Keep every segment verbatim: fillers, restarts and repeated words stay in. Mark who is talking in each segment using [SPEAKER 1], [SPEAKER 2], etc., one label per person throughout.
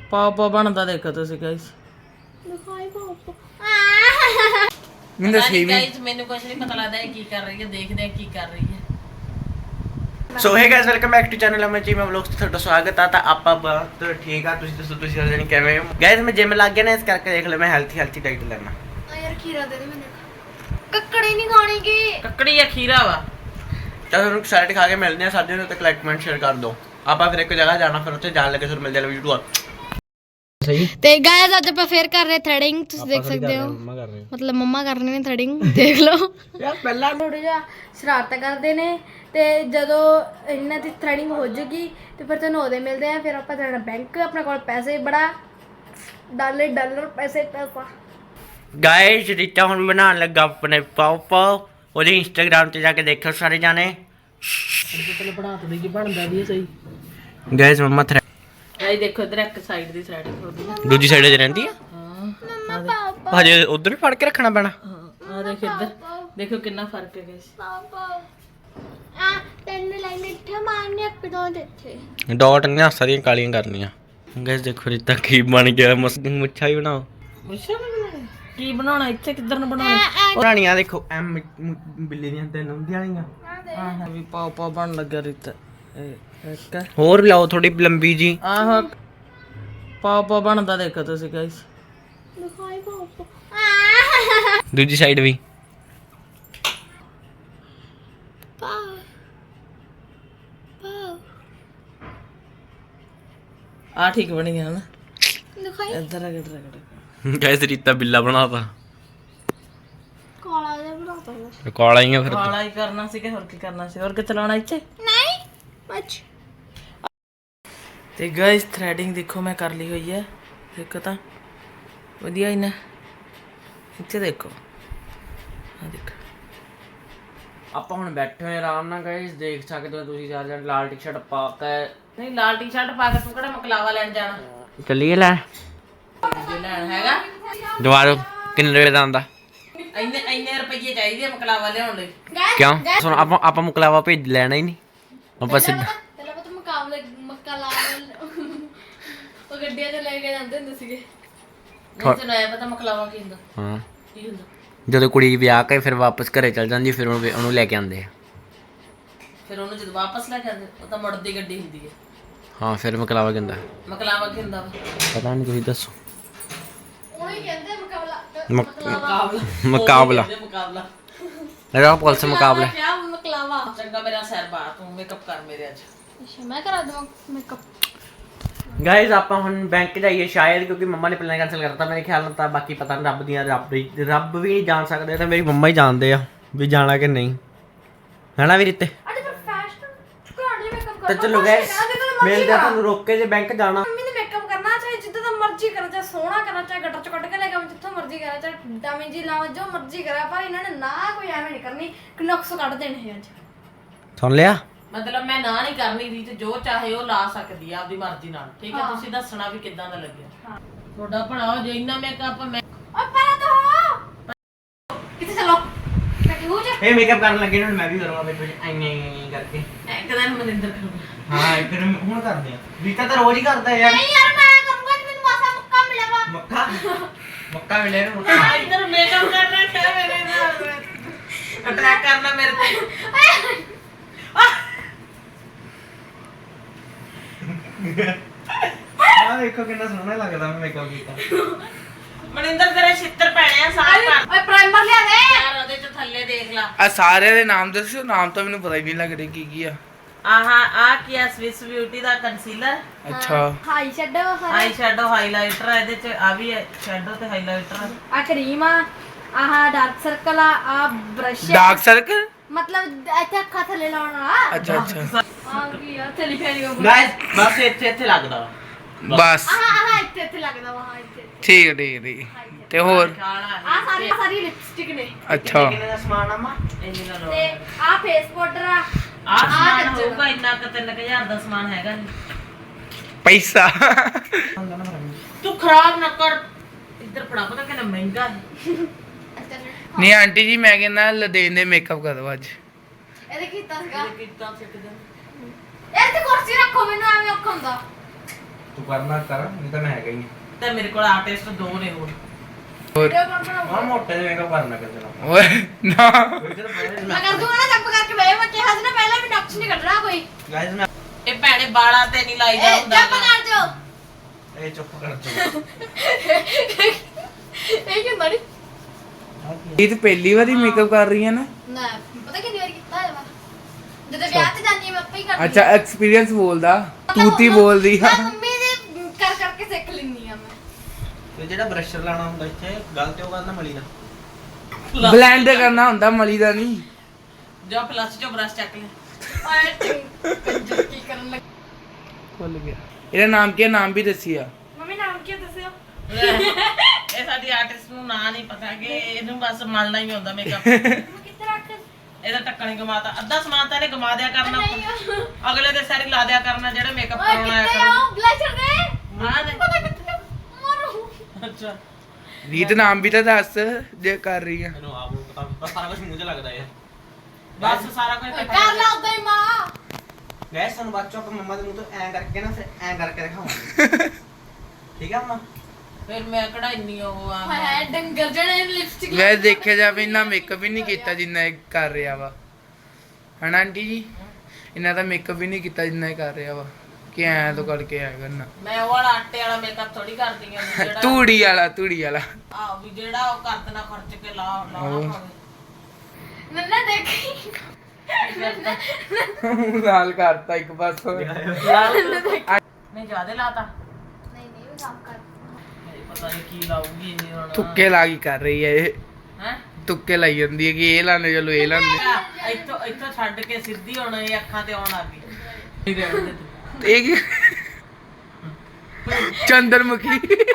[SPEAKER 1] ਪਾਪਾ ਬਣਦਾ ਦੇਖੋ ਤੁਸੀਂ ਗਾਇਸ।
[SPEAKER 2] ਦਿਖਾਈ ਪਾਪਾ
[SPEAKER 1] ਮੈਨੂੰ ਦੱਸੀ ਵੀ
[SPEAKER 3] ਗਾਇਸ ਮੈਨੂੰ ਕੁਝ ਨਹੀਂ ਪਤਾ ਲੱਗਦਾ ਇਹ ਕੀ ਕਰ ਰਹੀ ਹੈ, ਦੇਖਦੇ ਆ ਕੀ ਕਰ ਰਹੀ ਹੈ।
[SPEAKER 4] So hey guys welcome back to channel Aman ji ਮੈਂ ਵਲੌਗਸ ਤੇ ਤੁਹਾਡਾ ਸਵਾਗਤ ਆ। ਤਾਂ ਆਪਾਂ ਬਹੁਤ ਠੀਕ ਆ, ਤੁਸੀਂ ਦੱਸੋ ਤੁਸੀਂ ਸਾਰੇ ਜਣੇ ਕਿਵੇਂ ਹੋ? ਗਾਇਸ ਮੈਂ ਜਿਮ ਲੱਗ ਗਿਆ ਨਾ, ਇਸ ਕਰਕੇ ਦੇਖ ਲਓ ਮੈਂ ਹੈਲਥੀ ਹੈਲਥੀ ਡਾਈਟ ਲੈਣਾ।
[SPEAKER 2] ਆ ਯਾਰ ਖੀਰਾ ਦੇ ਦੇ ਮੈਨੂੰ, ਕੱਕੜੀ ਨਹੀਂ ਖਾਣੀਗੀ।
[SPEAKER 3] ਕੱਕੜੀ ਜਾਂ ਖੀਰਾ ਵਾ
[SPEAKER 4] ਤਾਂ ਤੁਹਾਨੂੰ ਸੈਲਡ ਖਾ ਕੇ ਮਿਲਦੇ ਆ ਸਾਡੇ ਨੂੰ, ਤੇ ਲਾਈਕ ਕਮੈਂਟ ਸ਼ੇਅਰ ਕਰ ਦਿਓ। ਆਪਾਂ ਫਿਰ ਇੱਕ ਜਗ੍ਹਾ ਜਾਣਾ, ਫਿਰ ਉੱਥੇ ਜਾਣ ਲੱਗੇ ਫਿਰ ਮਿਲ ਜਾਣਾ ਵੀਡੀਓ ਸਹੀ।
[SPEAKER 2] ਤੇ ਗਾਇਸ ਅੱਜ ਆਪਾਂ ਫੇਰ ਕਰ ਰਹੇ ਥ੍ਰੈਡਿੰਗ, ਤੁਸੀਂ ਦੇਖ ਸਕਦੇ ਹੋ। ਮਤਲਬ ਮੰਮਾ ਕਰ ਰਹੇ ਨੇ ਥ੍ਰੈਡਿੰਗ, ਦੇਖ ਲਓ।
[SPEAKER 4] ਯਾਰ ਪਹਿਲਾਂ
[SPEAKER 2] ਥੋੜਾ ਜਿਹਾ ਸ਼ਰਾਰਤਾਂ ਕਰਦੇ ਨੇ, ਤੇ ਜਦੋਂ ਇਹਨਾਂ ਦੀ ਥ੍ਰੈਡਿੰਗ ਹੋ ਜਾਏਗੀ ਤੇ ਫਿਰ ਤੁਹਾਨੂੰ ਉਹਦੇ ਮਿਲਦੇ ਆ। ਫਿਰ ਆਪਾਂ ਜਾਣਾ ਬੈਂਕ, ਆਪਣੇ ਕੋਲ ਪੈਸੇ ਬੜਾ ਡਾਲੇ ਡਾਲਰ ਪੈਸੇ ਪੈਸਾ।
[SPEAKER 4] ਗਾਇਸ ਰੀਤਾ ਹੁਣ ਬਣਾਉਣ ਲੱਗਾ ਆਪਣੇ ਪਾਪਾ, ਉਹਦੇ ਇੰਸਟਾਗ੍ਰਾਮ ਤੇ ਜਾ ਕੇ ਦੇਖੋ ਸਾਰੇ ਜਾਣੇ।
[SPEAKER 1] ਪਹਿਲਾਂ ਬਣਾ ਤੇ ਕੀ ਬਣਦਾ ਵੀ ਸਹੀ।
[SPEAKER 4] ਗਾਇਸ ਮੰਮਾ ਥ੍ਰੈ
[SPEAKER 3] ਗਾਇਸ ਦੇਖੋ ਇਧਰ ਇੱਕ ਸਾਈਡ ਦੀ ਥ੍ਰੈਡਿੰਗ ਹੋ ਰਹੀ ਹੈ।
[SPEAKER 4] ਦੂਜੀ ਸਾਈਡ ਤੇ ਰਹਿੰਦੀ ਆ,
[SPEAKER 2] ਮੰਮਾ
[SPEAKER 4] ਹਜੇ ਉਧਰ ਵੀ ਫੜ ਕੇ ਰੱਖਣਾ ਪੈਣਾ।
[SPEAKER 3] ਹਾਂ ਆ ਦੇਖ ਇੱਧਰ ਦੇਖੋ ਕਿੰਨਾ ਫਰਕ ਹੈ ਗਾਇਸ।
[SPEAKER 2] ਪਾਪਾ ਆ ਤਿੰਨ ਲਾਈਨ ਇੱਥੇ ਮਾਰਨੀ, ਇੱਕ ਦੋ ਇੱਥੇ।
[SPEAKER 4] ਡਾਟ ਨਹੀਂ ਸਾਰੀਆਂ ਕਾਲੀਆਂ ਕਰਨੀਆਂ। ਗਾਇਸ ਦੇਖੋ ਰੀਤਾ ਕੀ ਬਣ ਗਿਆ, ਮਸਤ ਮੁੱਛਾਂ ਹੀ ਬਣਾਓ।
[SPEAKER 3] ਮੁੱਛਾਂ ਨੂੰ ਬਣਾਉਣਾ ਕੀ ਬਣਾਉਣਾ, ਇੱਥੇ ਕਿੱਧਰ ਨੂੰ ਬਣਾਉਣਾ?
[SPEAKER 4] ਪੁਰਾਣੀਆਂ ਦੇਖੋ ਐਮ ਬਿੱਲੀ ਦੀਆਂ ਤਿੰਨ ਹੁੰਦੀਆਂ ਵਾਲੀਆਂ।
[SPEAKER 1] ਹਾਂ ਵੀ ਪਾਪਾ ਬਣ ਲੱਗਾ ਰਿਤ ਇੱਕ
[SPEAKER 4] ਹੋਰ ਲਾਓ ਥੋੜੀ ਲੰਬੀ ਜੀ।
[SPEAKER 1] ਆਹ ਪਾਪਾ ਬਣਦਾ ਦੇਖੋ ਤੁਸੀਂ ਗਾਇਸ।
[SPEAKER 2] ਦਿਖਾਈ ਪਾਪਾ
[SPEAKER 4] ਦੂਜੀ ਸਾਈਡ ਵੀ।
[SPEAKER 2] ਪਾ ਪਾ
[SPEAKER 1] ਆ ਠੀਕ ਬਣੀ ਗਿਆ ਨਾ,
[SPEAKER 2] ਦਿਖਾਈ
[SPEAKER 1] ਇੱਧਰ ਰਗੜ ਰਗੜ।
[SPEAKER 4] ਗਾਇਸ ਰੀਤਾ ਬਿੱਲਾ ਬਣਾਤਾ,
[SPEAKER 2] ਕਾਲਾ ਜਿਹਾ ਬਣਾਤਾ ਹੈ।
[SPEAKER 4] ਕਾਲਾ ਹੀ ਆ ਫਿਰ।
[SPEAKER 1] ਵਾਲਾ ਹੀ ਕਰਨਾ ਸੀ ਕਿ ਹੋਰ ਕੀ ਕਰਨਾ ਸੀ, ਹੋਰ ਕਿੱਥੇ ਲਾਉਣਾ ਇੱਥੇ।
[SPEAKER 2] ਨਹੀਂ ਮੱਚ
[SPEAKER 1] ਤੇ ਗਾਇਸ ਥ੍ਰੈਡਿੰਗ ਦੇਖੋ ਮੈਂ ਕਰ ਲਈ ਹੋਈ ਹੈ, ਦੇਖੋ ਤਾਂ ਵਧੀਆ ਹੀ ਨਾ। ਇੱਥੇ ਦੇਖੋ ਆ ਦੇਖੋ।
[SPEAKER 4] ਆਪਾਂ ਹੁਣ ਬੈਠੇ ਹੋਏ ਆਰਾਮ ਨਾਲ ਗਾਇਸ, ਦੇਖ ਸਕਦੇ ਹੋ ਤੁਸੀਂ ਚਾਰ ਜਣ ਲਾਲ ਟੀ-ਸ਼ਰਟ ਪਾ ਕੇ।
[SPEAKER 3] ਨਹੀਂ ਲਾਲ ਟੀ-ਸ਼ਰਟ ਪਾ ਕੇ ਤੂੰ ਕਿਹੜਾ ਮਕਲਾਵਾ ਲੈਣ ਜਾਣਾ?
[SPEAKER 4] ਚੱਲੀਏ ਲੈ
[SPEAKER 3] ਜੇ ਲੈਣ ਹੈਗਾ
[SPEAKER 4] ਦੁਬਾਰਾ ਕਿੰਨੇ ਰੁਪਏ ਦਾ ਆਂਦਾ?
[SPEAKER 3] ਇੰਨੇ ਇੰਨੇ ਰੁਪਏ ਚਾਹੀਦੇ ਆ ਮਕਲਾਵਾ ਲਿਆਉਣ ਲਈ।
[SPEAKER 4] ਕਿਉਂ ਸੁਣ, ਆਪਾਂ ਆਪਾਂ ਮੁਕਲਾਵਾ ਭੇਜ ਲੈਣਾ ਹੀ ਨਹੀਂ, ਆਪਾਂ ਸਿੱਧਾ
[SPEAKER 2] ਪਹਿਲਾਂ ਪਤਾ ਮੁਕਾਬਲੇ ਮੱਕਾ ਲਾ ਉਹ ਗੱਡੀਆਂ ਤੇ ਲੈ ਕੇ ਜਾਂਦੇ ਹੁੰਦੇ ਸੀਗੇ।
[SPEAKER 3] ਨਹੀਂ ਤੈਨੂੰ ਐ ਪਤਾ ਮਕਲਾਵਾ ਕੀ ਹੁੰਦਾ?
[SPEAKER 4] ਹਾਂ।
[SPEAKER 3] ਕੀ ਹੁੰਦਾ?
[SPEAKER 4] ਜਦੋਂ ਕੁੜੀ ਵਿਆਹ ਕੇ ਫਿਰ ਵਾਪਸ ਘਰੇ ਚਲ ਜਾਂਦੀ, ਫਿਰ ਉਹਨੂੰ ਉਹਨੂੰ ਲੈ ਕੇ ਆਉਂਦੇ ਆ।
[SPEAKER 3] ਫਿਰ ਉਹਨੂੰ ਜਦੋਂ ਵਾਪਸ ਲੈ ਕੇ ਆਉਂਦੇ ਉਹ ਤਾਂ ਮੁੜਦੀ ਗੱਡੀ ਹੁੰਦੀ ਹੈ।
[SPEAKER 4] ਹਾਂ ਫਿਰ ਮੁਕਲਾਵਾ ਕਹਿੰਦਾ।
[SPEAKER 3] ਮਕਲਾਵਾ ਕੀ ਹੁੰਦਾ ਵਾ?
[SPEAKER 4] ਪਤਾ ਨਹੀਂ, ਤੁਸੀਂ ਦੱਸੋ।
[SPEAKER 2] ਉਹੀ ਕਹਿੰਦੇ ਮੁਕਾਬਲਾ
[SPEAKER 3] ਮੁਕਾਬਲਾ
[SPEAKER 4] ਮੁਕਾਬਲਾ
[SPEAKER 3] ਉਹਦੇ ਮੁਕਾਬਲਾ
[SPEAKER 4] ਇਹਦਾ ਪੁਲਿਸ ਮੁਕਾਬਲਾ।
[SPEAKER 2] ਕਿਆ ਮੁਕਲਾਵਾ।
[SPEAKER 3] ਚੰਗਾ ਮੇਰਾ ਸਿਰ ਬਾ ਤੂੰ ਮੇਕਅਪ ਕਰ ਮੇਰੇ ਅੱਜ।
[SPEAKER 2] ਅੱਛਾ ਮੈਂ ਕਰਾ ਦਵਾਂ ਮੇਕਅਪ।
[SPEAKER 4] ਗਾਇਜ਼ ਆਪਾਂ ਹੁਣ ਬੈਂਕ ਜਾਈਏ ਸ਼ਾਇਦ, ਕਿਉਂਕਿ ਮੰਮਾ ਨੇ ਪਲਾਨ ਕੈਂਸਲ ਕਰਤਾ ਮੇਰੇ ਖਿਆਲ ਨਾਲ। ਤਾਂ ਬਾਕੀ ਪਤਾ ਨਹੀਂ, ਰੱਬ ਦੀਆਂ ਰੱਬ ਦੀ ਰੱਬ ਵੀ ਨਹੀਂ ਜਾਣ ਸਕਦੇ, ਤਾਂ ਮੇਰੀ ਮੰਮਾ ਹੀ ਜਾਣਦੇ ਆ ਵੀ ਜਾਣਾ ਕਿ ਨਹੀਂ, ਹੈਨਾ ਵੀ ਰਿੱਤੇ।
[SPEAKER 2] ਅਰੇ ਪਰ ਫੈਸ਼ਨ ਘਰ ਲਈ ਮੇਕਅਪ
[SPEAKER 4] ਤਾਂ ਚਲੋ ਗਾਇਜ਼ ਮਿਲਦੇ ਆ ਤੁਹਾਨੂੰ ਰੋਕ ਕੇ, ਜੇ ਬੈਂਕ ਜਾਣਾ।
[SPEAKER 2] ਮੰਮੀ ਨੇ ਮੇਕਅਪ ਕਰਨਾ ਚਾਹੇ ਜਿੱਦਾਂ ਦਾ ਮਰਜ਼ੀ ਕਰਾਂ, ਚਾਹੇ ਸੋਹਣਾ ਕਰਾਂ, ਚਾਹੇ ਗੱਟਰ ਚ ਕੱਢ ਕੇ ਲੈ ਕੇ ਜਿੱਥੋਂ ਮਰਜ਼ੀ ਕਰਾਂ, ਚਾਹੇ ਡਾਮੀ ਜੀ ਲਾਵਾਂ, ਜੋ ਮਰਜ਼ੀ ਕਰਾਂ, ਪਰ ਇਹਨਾਂ ਨੇ ਨਾ ਕੋਈ ਐਵੇਂ ਨਹੀਂ ਕਰਨੀ ਕਿ ਨੁਕਸ ਕੱਢ ਦੇਣੇ ਹੈ ਅੱਜ।
[SPEAKER 4] ਸੁਣ ਲਿਆ?
[SPEAKER 3] ਮਤਲਬ ਮੈਂ ਨਾ ਨਹੀਂ ਕਰਨੀ ਰੀਤ, ਜੋ ਚਾਹੇ ਉਹ ਲਾ ਸਕਦੀ ਆ ਆਪਦੀ ਮਰਜ਼ੀ ਨਾਲ, ਠੀਕ ਹੈ? ਤੁਸੀਂ ਦੱਸਣਾ ਵੀ ਕਿੱਦਾਂ ਦਾ ਲੱਗਿਆ ਤੁਹਾਡਾ ਭਲਾ। ਜੇ ਇੰਨਾ ਮੇਕਅਪ ਮੈਂ
[SPEAKER 2] ਓ ਪਹਿਲਾਂ ਤਾਂ ਹੋ ਕਿੱਥੇ ਚਲੋ ਬੈਠੇ ਹੋ ਜਾ।
[SPEAKER 4] ਇਹ ਮੇਕਅਪ ਕਰਨ ਲੱਗੇ ਨਾ, ਮੈਂ ਵੀ ਕਰੂੰਗਾ ਵਿੱਚ ਵਿੱਚ ਐਂ ਕਰਕੇ।
[SPEAKER 3] ਇੱਕ ਦਿਨ ਮਨਿੰਦਰ ਕਰੂੰਗਾ।
[SPEAKER 4] ਹਾਂ ਫਿਰ ਹੁਣ ਕਰਦੇ ਆ, ਰੀਤਾ ਤਾਂ ਰੋਜ਼ ਹੀ ਕਰਦਾ ਯਾਰ।
[SPEAKER 2] ਨਹੀਂ ਯਾਰ ਮੈਂ ਕਰੂੰਗਾ ਤੇ ਮੈਨੂੰ ਮਾਸਾ ਮੁੱਕਾ ਮਿਲੇਗਾ।
[SPEAKER 4] ਮੱਕਾ ਮੱਕਾ ਮਿਲੇ ਨਾ ਮੱਕਾ।
[SPEAKER 3] ਆ ਇੱਧਰ ਮੇਕਅਪ ਕਰਨਾ ਕਿਆ ਮੇਰੇ ਨਾਲ ਅਟਰੈਕ ਕਰਨਾ ਮੇਰੇ ਤੇ।
[SPEAKER 4] ਆ ਦੇਖੋ ਕਿੰਨਾ ਸੋਹਣਾ ਲੱਗਦਾ ਮੈਂ ਮੇਕਅਪ ਕੀਤਾ।
[SPEAKER 3] ਮਨਿੰਦਰ ਤੇਰੇ ਛਿੱਤਰ ਪੈਣੇ ਆ ਸਾਰੇ ਪਰ
[SPEAKER 2] ਓਏ ਪ੍ਰਾਈਮਰ ਲਿਆ ਦੇ
[SPEAKER 3] ਯਾਰ ਉਹਦੇ ਚ ਥੱਲੇ ਦੇਖ ਲਾ।
[SPEAKER 1] ਆ ਸਾਰਿਆਂ ਦੇ ਨਾਮ ਦੱਸੋ, ਨਾਮ ਤਾਂ ਮੈਨੂੰ ਪਤਾ ਹੀ ਨਹੀਂ ਲੱਗ ਰਿਹਾ ਕੀ ਕੀ ਆ।
[SPEAKER 3] ਆਹ ਆ ਕੀ ਆ? ਸਵਿਸ ਬਿਊਟੀ ਦਾ ਕੰਸੀਲਰ,
[SPEAKER 1] ਅੱਛਾ
[SPEAKER 2] high shadow
[SPEAKER 3] eye shadow highlighter, ਇਹਦੇ ਚ ਆ ਵੀ ਹੈ ਸ਼ੈਡੋ ਤੇ ਹਾਈਲਾਈਟਰ।
[SPEAKER 2] ਆ ਕਰੀਮ ਆ, ਆਹ ਡਾਰਕ ਸਰਕਲ ਆ, ਆ ਬ੍ਰਸ਼
[SPEAKER 1] ਡਾਰਕ ਸਰਕਲ।
[SPEAKER 2] ਮਤਲਬ ਇੱਥੇ ਅੱਖਾਂ ਥੱਲੇ ਲਾਉਣ ਵਾਲਾ।
[SPEAKER 1] ਅੱਛਾ ਅੱਛਾ
[SPEAKER 2] ਆ ਕੀ ਆ ਥੱਲੇ ਫੇਰੀ ਉਹ
[SPEAKER 4] ਗਾਇਸ ਬਸ ਇੱਥੇ ਇੱਥੇ ਲੱਗਦਾ ਵਾ।
[SPEAKER 1] ਬਸ
[SPEAKER 2] ਆਹ ਆਹ ਇੱਥੇ ਇੱਥੇ ਲੱਗਦਾ ਵਾ। ਹਾਂ ਇੱਥੇ
[SPEAKER 1] ਠੀਕ ਹੈ ਠੀਕ ਹੈ ਠੀਕ ਹੈ। ਤੇ ਹੋਰ
[SPEAKER 3] ਕਾਲਾ
[SPEAKER 2] ਆ ਸਾਰੀ ਸਾਰੀ ਲਿਪਸਟਿਕ ਨੇ।
[SPEAKER 1] ਅੱਛਾ
[SPEAKER 4] ਕਿੰਨੇ ਦਾ ਸਮਾਨ ਆਮਾ?
[SPEAKER 3] ਇੰਨੇ ਦਾ ਲੋ।
[SPEAKER 2] ਤੇ ਆ ਫੇਸ ਪਾਊਡਰ ਆ।
[SPEAKER 3] ਆ ਸਮਾਨ ਹੋਊਗਾ ਇੰਨਾ ਕੁ ਤਿੰਨ ਕੁ ਹਜ਼ਾਰ ਦਾ ਸਮਾਨ ਹੈਗਾ ਜੀ।
[SPEAKER 1] ਪੈਸਾ।
[SPEAKER 3] ਤੂੰ ਖਰਾਬ ਨਾ ਕਰ, ਇੱਧਰ ਫੜਾ, ਪਤਾ ਕਿੰਨਾ ਮਹਿੰਗਾ ਹੈ।
[SPEAKER 1] ਨਹੀਂ ਆਂਟੀ ਜੀ ਮੈਂ ਕਹਿੰਦਾ ਲਦੇਨ ਦੇ ਮੇਕਅਪ ਕਰ ਦੋ ਅੱਜ।
[SPEAKER 2] ਇਹਦੇ ਕੀਤਾ ਸੀਗਾ
[SPEAKER 3] ਕੀਤਾ ਸਿੱਖ ਦੇ
[SPEAKER 2] ਯਾਰ ਤੇ ਕੁਰਸੀ ਰੱਖੋ, ਮੈਨੂੰ ਐਵੇਂ ਔਖਾ ਹੁੰਦਾ।
[SPEAKER 4] ਤੂੰ ਕਰਨਾ ਕਰ ਨਹੀਂ ਤਾਂ ਮੈਂ ਹੈਗਾ ਹੀ
[SPEAKER 3] ਤੇ ਮੇਰੇ ਕੋਲ ਆਰਟਿਸਟ ਦੋ ਨੇ ਹੋਰ
[SPEAKER 2] ਵੀਡੀਓ ਕੌਣ ਬਣਾਊਗਾ?
[SPEAKER 4] ਹਾਂ ਮੋਟੇ ਦੇ ਮੇਕਅਪ ਕਰਨਾ ਕਿਸੇ ਨਾਲ
[SPEAKER 5] ਓਏ ਨਾ
[SPEAKER 2] ਮੈਂ ਕਰ ਦੂੰਗਾ ਨਾ ਚੁੱਪ ਕਰਕੇ ਬਹਿ ਮੈਂ ਕਿਹਾ ਸੀ ਨਾ ਪਹਿਲਾਂ ਵੀ ਨਕਸ਼ ਨਹੀਂ ਕੱਢਣਾ ਕੋਈ
[SPEAKER 4] ਗਾਇਸ ਮੈਂ
[SPEAKER 3] ਇਹ ਭੈਣੇ ਬਾਲਾਂ ਤੇ ਨਹੀਂ ਲਾਈਦਾ
[SPEAKER 2] ਏ
[SPEAKER 3] ਹੁੰਦਾ
[SPEAKER 2] ਚੁੱਪ ਕਰ ਜਾਓ
[SPEAKER 4] ਇਹ ਚੁੱਪ ਕਰ ਚੋ
[SPEAKER 2] ਇਹ ਕਿਉਂ ਮੜੀ
[SPEAKER 5] ਇਹ ਤਾਂ ਪਹਿਲੀ ਵਾਰੀ ਮੇਕਅਪ ਕਰ ਰਹੀ ਹੈ ਨਾ
[SPEAKER 2] ਨਾ ਪਤਾ ਕਿੰਨੀ ਵਾਰ ਕੀਤਾ ਹੈ ਵਾ ਜਦੋਂ ਵਿਆਹ ਤੇ ਜਾਂਦੀ ਹਾਂ ਮੈਂ ਆਪੇ ਹੀ ਕਰਦੀ
[SPEAKER 5] ਅੱਛਾ ਐਕਸਪੀਰੀਅੰਸ ਬੋਲਦਾ ਤੂਤੀ ਬੋਲਦੀ ਆ
[SPEAKER 2] ਮੈਂ ਮੰਮੀ ਦੇ ਕਰ ਕਰਕੇ ਸਿੱਖ ਲੈਂਦੀ ਆ ਮੈਂ
[SPEAKER 4] ਤੇ ਜਿਹੜਾ ਬ੍ਰਸ਼ਰ ਲਾਣਾ ਹੁੰਦਾ ਇੱਥੇ ਗੱਲ ਤੇ ਉਹ ਕਰਨਾ ਮਲੀ ਦਾ
[SPEAKER 5] ਬਲੈਂਡ ਕਰਨਾ ਹੁੰਦਾ ਮਲੀ ਦਾ ਨਹੀਂ
[SPEAKER 3] ਜਾ ਪਲੱਸ ਚੋਂ ਬ੍ਰਸ਼ ਚੱਕ ਲੈ
[SPEAKER 2] ਓਏ ਕੰਜਰ ਕੀ ਕਰਨ ਲੱਗ
[SPEAKER 5] ਭੁੱਲ ਗਿਆ ਇਹਦਾ ਨਾਮ ਕੀ ਹੈ ਨਾਮ ਵੀ ਦੱਸਿਆ
[SPEAKER 2] ਮੰਮੀ ਨਾਮ ਕੀ ਦੱਸਿਓ
[SPEAKER 3] ਇਹ ਸਾਡੀ ਆਰਟਿਸਟ ਨੂੰ ਨਾਂ ਨਹੀਂ ਪਤਾ ਕਿ ਇਹਨੂੰ ਬਸ ਮਲਣਾ ਹੀ ਹੁੰਦਾ ਮੇਕਅਪ
[SPEAKER 2] ਕਿੱਥੇ ਰੱਖ
[SPEAKER 3] ਇਹਦਾ ਟੱਕਣ ਹੀ ਗਮਾਤਾ ਅੱਧਾ ਸਮਾਨ ਤਾਂ ਇਹਨੇ ਗਮਾ ਦਿਆ ਕਰਨਾ
[SPEAKER 2] ਨਹੀਂ ਉਹ-
[SPEAKER 3] ਅਗਲੇ ਦੇ ਸਾਰੀ ਲਾ ਦਿਆ ਕਰਨਾ ਜਿਹੜਾ ਮੇਕਅਪ
[SPEAKER 2] ਓਏ
[SPEAKER 3] ਕਰਾਉਣਾ ਆਇਆ
[SPEAKER 2] ਕਿੱਥੇ
[SPEAKER 3] ਕਰਨਾ
[SPEAKER 2] ਆਉ ਬਲੈਸ਼ਰ ਦੇ
[SPEAKER 3] ਹਾਂ ਦੇ
[SPEAKER 2] ਪਤਾ ਕਿੱਥੇ ਮਰੂ
[SPEAKER 3] ਅੱਛਾ
[SPEAKER 5] ਰੀਤ ਨਾਮ ਵੀ ਤਾਂ ਦੱਸ ਜੇ ਕਰ ਰਹੀ ਆ
[SPEAKER 4] ਮੈਨੂੰ ਆਪ ਨੂੰ ਪਤਾ ਬਸ ਸਾਰਾ ਕੁਝ ਮੂੰਹ 'ਚ ਲੱਗਦਾ ਯਾਰ
[SPEAKER 3] ਬਸ ਸਾਰਾ ਕੁਝ ਇਕੱਠਾ
[SPEAKER 2] ਕਰ ਲਾ ਉਦਾਂ ਹੀ ਮਾਂ
[SPEAKER 4] ਗੈਸ ਸਾਨੂੰ ਬੱਚੋ ਕਿ ਮੰਮਾ ਦੇ ਮੂੰਹ ਤੋਂ ਐਂ ਕਰਕੇ ਨਾ ਫਿਰ ਐਂ ਕਰਕੇ ਦਿਖਾਵਾਂਗੇ ਠੀਕ ਆ ਮੰਮਾ
[SPEAKER 3] ਫਿਰ ਮੈਂ ਕਿਹੜਾ ਇੰਨੀ ਉਹ ਆ
[SPEAKER 2] ਹਾਏ ਹਾਏ ਡੰਗਰ ਜਣੇ ਲਿਪਸਟਿਕ
[SPEAKER 5] ਵੈਸੇ ਦੇਖਿਆ ਜਾਵੇ ਇੰਨਾ ਮੇਕਅਪ ਵੀ ਨਹੀਂ ਕੀਤਾ ਜਿੰਨਾ ਇਹ ਕਰ ਰਿਹਾ ਵਾ ਹਨਾ ਆਂਟੀ ਜੀ ਇਹਨਾਂ ਦਾ ਮੇਕਅਪ ਵੀ ਨਹੀਂ ਕੀਤਾ ਜਿੰਨਾ ਇਹ ਕਰ ਰਿਹਾ ਵਾ ਕਿ ਐਂ ਤੋਂ ਕਰਕੇ ਆਇਆ ਕਰਨਾ
[SPEAKER 3] ਮੈਂ ਉਹ ਵਾਲਾ ਆਟੇ ਵਾਲਾ ਮੇਕਅਪ ਥੋੜੀ ਕਰਦੀ ਆ ਵੀ ਜਿਹੜਾ
[SPEAKER 5] ਤੂੜੀ ਵਾਲਾ ਤੂੜੀ ਵਾਲਾ
[SPEAKER 3] ਆ ਵੀ ਜਿਹੜਾ ਉਹ ਕਰ ਦੇਣਾ ਖਰਚ ਕੇ ਲਾ ਲਾਉਣਾ ਪਵੇ
[SPEAKER 2] ਨੰਨਾ ਦੇਖੀ
[SPEAKER 5] ਲਾਲ ਕਰਤਾ ਇੱਕ ਪਾਸੋਂ
[SPEAKER 3] ਨਹੀਂ ਜ਼ਿਆਦਾ ਲਾਤਾ
[SPEAKER 2] ਨਹੀਂ ਨਹੀਂ ਉਹ ਕੰਮ ਕਰ
[SPEAKER 3] ਨਹੀਂ ਪਤਾ ਨਹੀਂ ਕੀ ਲਾਊਗੀ ਇਹ ਹੁਣ
[SPEAKER 5] ਤੁੱਕੇ ਲਾ ਕੀ ਕਰ ਰਹੀ ਹੈ ਇਹ
[SPEAKER 3] ਹੈ
[SPEAKER 5] ਤੁੱਕੇ ਲਾਈ ਜਾਂਦੀ ਹੈ ਕਿ ਇਹ ਲਾਣੇ ਚਲੋ ਇਹ ਲਾਣੇ
[SPEAKER 3] ਇੱਥੋਂ ਇੱਥੋਂ ਛੱਡ ਕੇ ਸਿੱਧੀ ਹੁਣ ਇਹ ਅੱਖਾਂ ਤੇ ਆਉਣ ਲੱਗ ਗਈ ਰਹਿਣ ਦੇ ਤੂੰ।
[SPEAKER 5] ਇਹ ਕੀ ਚੰਦਰਮੁਖੀ